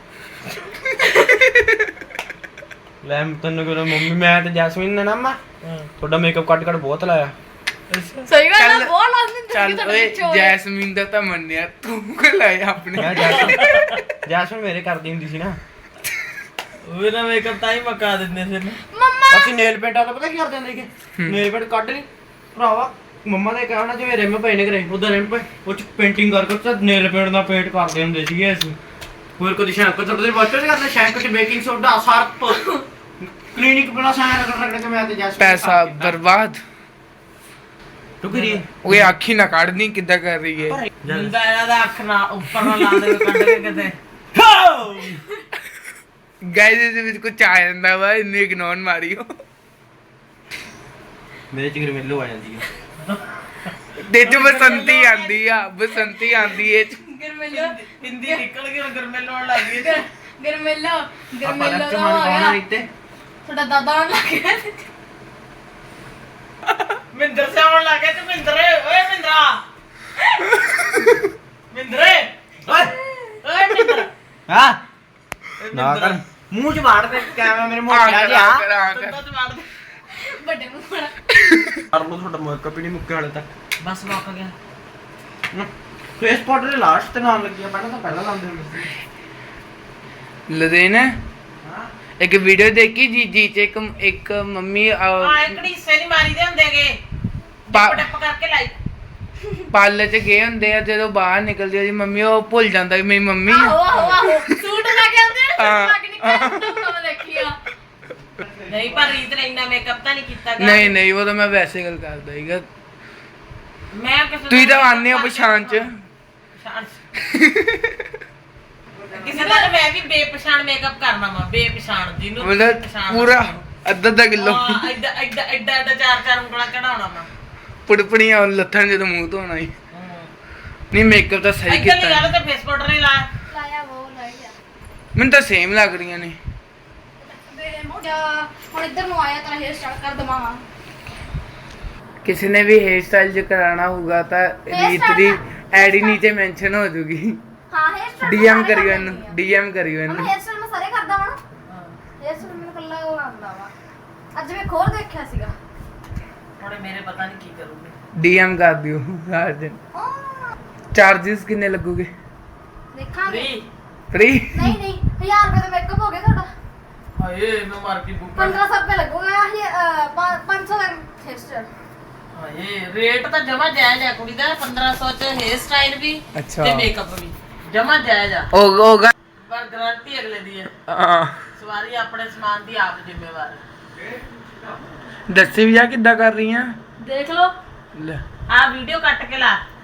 [SPEAKER 4] ਲੈ ਤੈਨੂੰ ਕਿਹਾ ਮੰਮੀ, ਮੈਂ ਤੇ ਜੈਸਮੀਨ ਨੇ ਨਾ ਮਾਂ ਤੁਹਾਡਾ ਮੇਕਅਪ ਕੱਟ ਕੱਟ ਬਹੁਤ ਲਾਇਆ।
[SPEAKER 2] ਸਹੀ ਗੱਲ ਹੈ, ਬਹੁਤ ਲਾਜ਼ਮੀ
[SPEAKER 5] ਚੱਲ ਓਏ ਜੈਸਮੀਨ ਦਾ ਤਾਂ ਮੰਨਿਆ, ਤੂੰ ਕਿ ਲਾਇਆ ਆਪਣੇ।
[SPEAKER 4] ਮੈਂ ਜੈਸਮੀਨ ਜੈਸਮੀਨ ਮੇਰੇ ਕਰਦੀ ਹੁੰਦੀ ਸੀ ਨਾ।
[SPEAKER 1] ਉਹ ਨਾ ਮੇਕਅਪ ਤਾਂ ਹੀ ਮਕਾ ਦਿੰਦੇ ਸੀ ਨਾ।
[SPEAKER 2] ਮੰਮਾ
[SPEAKER 4] ਅਸੀਂ ਨੇਲ ਪੇਂਟ ਵਾਲਾ ਪਤਾ ਕੀ ਕਰਦੇ ਹੁੰਦੇ ਸੀ, ਨੇਲ ਪੇਂਟ ਕੱਢ ਲਈ ਭਰਾਵਾ, ਮੰਮਾ ਨੇ ਕਹਿਣਾ ਜਿਵੇਂ ਰਿਮ ਪਏ ਨੇ ਘਰੇ, ਉਧਰ ਰਿਮ ਪਏ ਉਹ ਚ ਪੇਂਟਿੰਗ ਕਰ ਕਰ ਨੇਲ ਪੇਂਟ ਦਾ ਪੇਂਟ ਕਰਦੇ ਹੁੰਦੇ ਸੀਗੇ ਅਸੀਂ। ਹੋਰ ਕੋਈ ਸ਼ੈਂਕ ਕਰਦੇ ਵਾਟਰ ਕਰਦੇ, ਸ਼ੈਂਕ ਚ ਬੇਕਿੰਗ ਸੋਡਾ ਸਰਪ ਕਲੀਨਿਕ ਬਣਾ ਸਾਰਾ ਰਗੜ ਰਗੜ ਕੇ ਮੈਂ ਤੇ ਜੈਸਮੀਨ
[SPEAKER 5] ਪੈਸਾ ਬਰਬਾਦ।
[SPEAKER 4] ਤੂੰ ਕਰੀ
[SPEAKER 5] ਓਏ ਅੱਖੀ ਨਾ ਕੱਢਣੀ, ਕਿੱਦਾਂ ਕਰ ਰਹੀ ਹੈ।
[SPEAKER 3] ਜਿੰਦਾ ਇਹਨਾਂ ਦਾ ਅੱਖ ਨਾ ਉੱਪਰ ਨਾ ਲਾ ਦੇ ਕੱਢ ਕੇ ਕਿਤੇ।
[SPEAKER 5] ਗਾਇਸ ਇਸ ਵਿੱਚ ਕੁਝ ਆ ਜਾਂਦਾ ਵਾ, ਇੰਨੀ ਇਗਨੋਰ ਮਾਰੀਓ।
[SPEAKER 4] ਮੇਰੇ ਚ ਗਰਮੇਲੋ ਆ ਜਾਂਦੀ ਆ।
[SPEAKER 5] ਤੇ ਚ ਬਸੰਤੀ ਆਂਦੀ ਆ, ਬਸੰਤੀ ਆਂਦੀ ਏ।
[SPEAKER 2] ਗਰਮੇਲੋ
[SPEAKER 3] ਹਿੰਦੀ ਨਿਕਲ ਗਈ ਹੁਣ ਗਰਮੇਲੋ ਆਉਣ ਲੱਗ ਗਈ ਤੇ
[SPEAKER 2] ਗਰਮੇਲੋ
[SPEAKER 4] ਆਪਾਂ
[SPEAKER 2] ਗਰਮੇਲੋ
[SPEAKER 4] ਲੱਗ
[SPEAKER 2] ਦਾ
[SPEAKER 4] ਮਨ
[SPEAKER 2] ਹੋ
[SPEAKER 4] ਪਾਉਣਾ
[SPEAKER 2] ਗਿਆ।
[SPEAKER 4] ਇੱਥੇ
[SPEAKER 2] ਤੁਹਾਡਾ ਦਾਦਾ ਆਉਣ ਲੱਗ ਗਿਆ।
[SPEAKER 3] ਮਿੰਦਰ ਸੇ ਆਉਣ ਲੱਗ ਗਿਆ ਤੇ ਮਿੰਦਰੇ ਓਏ ਮਿੰਦਰਾ ਮਿੰਦਰੇ
[SPEAKER 4] ਓਏ
[SPEAKER 3] ਓਏ ਮਿੰਦਰ
[SPEAKER 4] ਹਾਂ ਨਾ ਕਰ, ਮੂੰਹ ਚ ਵਾੜ ਦੇ ਕੈਮਰਾ ਮੇਰੇ ਮੂੰਹ ਚ ਆ ਗਿਆ।
[SPEAKER 3] ਦੰਦਾਂ ਤੇ ਮਾਰ ਦੇ।
[SPEAKER 2] ਵੱਡੇ ਮੂੰਹ ਵਾਲਾ।
[SPEAKER 4] ਕਰ ਲੋ, ਤੁਹਾਡਾ ਮੇਕਅਪ ਹੀ ਨਹੀਂ ਮੁੱਕਿਆ ਹਾਲੇ ਤੱਕ।
[SPEAKER 3] ਬਸ ਮੁੱਕ ਗਿਆ।
[SPEAKER 4] ਫੇਸ ਪਾਊਡਰ ਦੇ ਲਾਸਟ ਤੇ ਨਾਮ ਲੱਗਿਆ, ਪਹਿਲਾਂ ਤਾਂ ਪਹਿਲਾਂ ਲਾਉਂਦੇ ਹੁੰਦੇ ਸੀ।
[SPEAKER 5] ਲਦੇਨ ਇੱਕ ਵੀਡੀਓ ਦੇਖੀ ਜੀ ਜੀ ਚ ਇੱਕ ਇੱਕ ਮੰਮੀ
[SPEAKER 3] ਆ ਇੱਕ ਹਿੱਸੇ ਨਹੀਂ ਮਾਰੀਦੇ ਹੁੰਦੇਗੇ,
[SPEAKER 5] ਪਾ-
[SPEAKER 3] ਟੱਪ ਕਰਕੇ ਲਾਈ।
[SPEAKER 5] ਪਾਰਲਰ ਚ ਗਏ ਹੁੰਦੇ ਆ, ਜਦੋਂ ਬਾਹਰ ਨਿਕਲਦੀ ਉਹਦੀ ਮੰਮੀ ਉਹ ਭੁੱਲ ਜਾਂਦਾ ਕਿ ਮੇਰੀ ਮੰਮੀ
[SPEAKER 2] ਆਹੋ
[SPEAKER 5] ਆ।
[SPEAKER 2] ਆਹੋ ਆਹੋ ਸੂਟ ਲਾ ਕੇ ਆਉਂਦੇ ਨੇ,
[SPEAKER 5] ਹਾਂ।
[SPEAKER 2] ਸੂਟ ਲਾ ਕੇ ਨਿਕਲਦੇ ਮੈਂ ਦੇਖੀ ਆ।
[SPEAKER 3] ਨਹੀਂ ਪਰ ਰੀਤ ਨੇ ਇੰਨਾ ਮੇਕਅਪ ਤਾਂ ਨਹੀਂ ਕੀਤਾ ਗਾ।
[SPEAKER 5] ਨਹੀਂ ਨਹੀਂ ਉਹ ਤਾਂ ਮੈਂ ਵੈਸੇ ਗੱਲ ਕਰਦਾ ਸੀਗਾ।
[SPEAKER 3] ਮੈਂ ਕਿਸੇ
[SPEAKER 5] ਤੁਸੀਂ
[SPEAKER 3] ਦਾ
[SPEAKER 5] ਤਾਂ ਆਉਂਦੇ ਹੋ ਪਛਾਣ ਚ।
[SPEAKER 3] ਪਛਾਣ ਚ। ਕਿਸੇ ਦਾ ਤਾਂ ਮੈਂ ਵੀ ਬੇਪਛਾਣ ਮੇਕਅਪ ਕਰਨਾ ਵਾ, ਬੇਪਛਾਣ ਜਿਹਨੂੰ
[SPEAKER 5] ਮਤਲਬ
[SPEAKER 3] ਪਛਾਣ
[SPEAKER 5] ਪੂਰਾ ਅੱਧਾ ਅੱਧਾ ਕਿਲੋ
[SPEAKER 3] ਹਾਂ, ਐਡਾ ਐਡਾ ਐਡਾ ਐਡਾ ਚਾਰ ਚਾਰ ਉਂਗਲਾਂ ਚੜਾਉਣਾ ਵਾ।
[SPEAKER 5] ਪੁੜਪੜੀਆਂ ਲੱਥਣ ਜਦੋਂ ਮੂੰਹ ਧੋਣਾ ਹੀ। ਨਹੀਂ ਮੇਕਅਪ ਤਾਂ ਸਹੀ
[SPEAKER 3] ਇੱਧਰ ਦੀ
[SPEAKER 5] ਕੀਤਾ।
[SPEAKER 3] ਗੱਲ ਤੇ ਫੇਸ ਪਾਊਡਰ ਨਹੀਂ ਲਾਇਆ।
[SPEAKER 2] ਲਾਇਆ ਉਹ ਲਾਇਆ
[SPEAKER 5] ਮੈਨੂੰ ਤਾਂ ਸੇਮ ਲੱਗ ਰਹੀਆਂ ਨੇ।
[SPEAKER 2] ਮੇਰੇ ਮੂੰਹ ਜਾ ਹੁਣ ਇੱਧਰ ਨੂੰ ਆਇਆ ਤਾਂ ਹੇਅਰ ਸਟਾਈਲ ਕਰ ਦਵਾਂ।
[SPEAKER 5] ਕਿਸੇ ਨੇ ਵੀ ਹੇਅਰ ਸਟਾਈਲ ਜੇ ਕਰਾਣਾ ਹੋਊਗਾ ਤਾਂ ਰੀਤ ਦੀ ਆਈਡੀ ਨੀਚੇ ਮੈਂਸ਼ਨ ਹੋ ਜੂਗੀ।
[SPEAKER 2] ਹਾਂ ਹੇਅਰ ਸਟਾਈਲ
[SPEAKER 5] ਡੀਐਮ ਕਰਿਓ ਇਹਨੂੰ, ਡੀਐਮ ਕਰਿਓ ਇਹਨੂੰ।
[SPEAKER 2] ਹੇਅਰ ਸਟਾਈਲ ਮੈਂ ਸਾਰੇ ਕਰਦਾ ਵਾਂ। ਹੇਅਰ ਸਟਾਈਲ ਮੈਨੂੰ ਕੱਲਾ ਉਹ ਆਉਂਦਾ ਵਾ। ਅੱਜ ਮੈਂ ਖੋਲ ਦੇਖਿਆ ਸੀਗਾ।
[SPEAKER 3] ਹੁਣ ਇਹ ਮੇਰੇ ਪਤਾ ਨਹੀਂ ਕੀ ਕਰੂਗੇ।
[SPEAKER 5] ਡੀਐਮ ਕਰ ਦਿਓ ਹਰ ਦਿਨ। ਚਾਰजेस ਕਿੰਨੇ ਲੱਗੂਗੇ?
[SPEAKER 2] ਦੇਖਾਂਗੇ।
[SPEAKER 3] ਵੀ
[SPEAKER 5] ਫ੍ਰੀ?
[SPEAKER 2] ਨਹੀਂ ਨਹੀਂ ਹਜ਼ਾਰ ਰੁਪਏ ਦਾ ਮੇਕਅਪ ਹੋ ਗਿਆ ਤੁਹਾਡਾ।
[SPEAKER 3] ਹਾਏ ਮੈਂ ਮਾਰ ਕੇ ਬੁੱਕ
[SPEAKER 2] ਪੰਦਰਾਂ ਸੌ ਰੁਪਏ ਲੱਗੂਗਾ। ਇਹ ਪੰਜ ਸੌ ਦਾ ਹੇਅਰ ਸਟਾਈਲ।
[SPEAKER 3] ਹਾਏ ਰੇਟ ਤਾਂ ਜਮਾ ਜਾਇਜ਼ ਆ ਕੁੜੀ ਦਾ। ਪੰਦਰਾਂ ਸੌ ਚ ਹੇਅਰ ਸਟਾਈਲ ਵੀ
[SPEAKER 5] ਅੱਛਾ।
[SPEAKER 3] ਤੇ ਮੇਕਅਪ ਵੀ ਜਮਾ ਜਾਇਜ਼ ਆ।
[SPEAKER 5] ਉਹ ਹੋਗਾ।
[SPEAKER 3] ਪਰ ਗਾਰੰਟੀ ਅਗਲੇ ਦੀ ਹੈ।
[SPEAKER 5] ਹਾਂ
[SPEAKER 3] ਸਵਾਰੀ ਆਪਣੇ ਸਮਾਨ ਦੀ ਆਪ ਜ਼ਿੰਮੇਵਾਰ ਹੈ।
[SPEAKER 5] ਦੱਸੀ ਵੀ ਆ ਕਿੱਦਾਂ ਕਰ ਰਹੀ ਆ।
[SPEAKER 2] ਦੇਖ ਲਓ।
[SPEAKER 5] ਲੈ
[SPEAKER 3] ਆ ਵੀਡੀਓ ਕੱਟ ਕੇ ਲਾ।